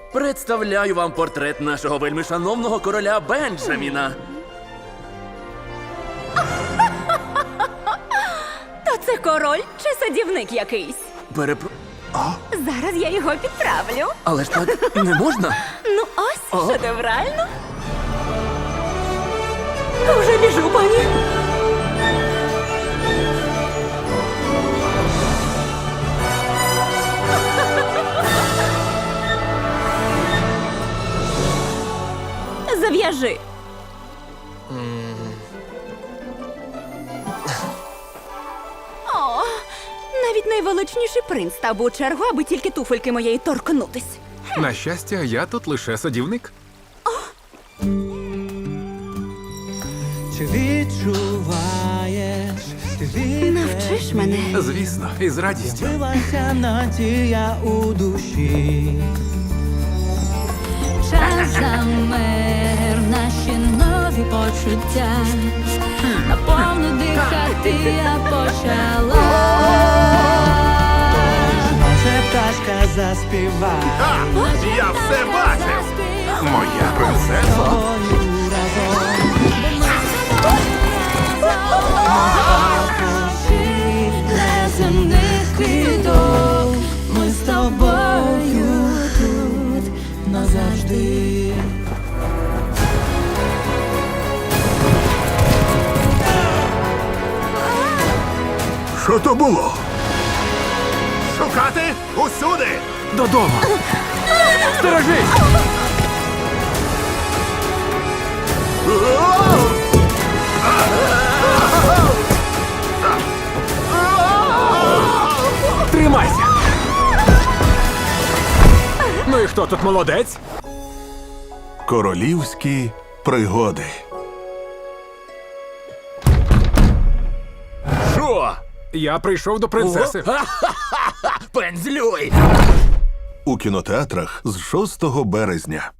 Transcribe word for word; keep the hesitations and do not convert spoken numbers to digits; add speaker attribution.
Speaker 1: Представляю вам портрет нашого вельмишановного короля Бенджаміна.
Speaker 2: То це король чи садівник якийсь?
Speaker 1: Перепро...
Speaker 2: Зараз я його підправлю.
Speaker 1: Але ж так не можна.
Speaker 2: Ну ось,
Speaker 1: О.
Speaker 2: шедеврально. Вже біжу, пані. Зав'яжи. О, навіть найвеличніший принц став у чергу, аби тільки туфельки моєї торкнутись.
Speaker 3: На щастя, я тут лише садівник.
Speaker 4: Чи відчуваєш, ти
Speaker 2: Навчиш мене.
Speaker 3: Звісно, із радістю.
Speaker 4: з'явилася надія у душі.
Speaker 5: Час замер, наші нові почуття. Наповну дихати я почала.
Speaker 4: Може пташка заспіває
Speaker 3: Я все бачив! Моя принцеса.
Speaker 4: тобою разом.
Speaker 5: Неземних квіток, ми з тобою тут назавжди.
Speaker 3: Що то було? Шукати усюди! Додому! Сторожись! Тримайся! Ну і хто тут молодець?
Speaker 6: Королівські пригоди.
Speaker 1: Що?
Speaker 3: Я прийшов до принцеси.
Speaker 1: Пензлюй!
Speaker 6: У кінотеатрах з шостого березня.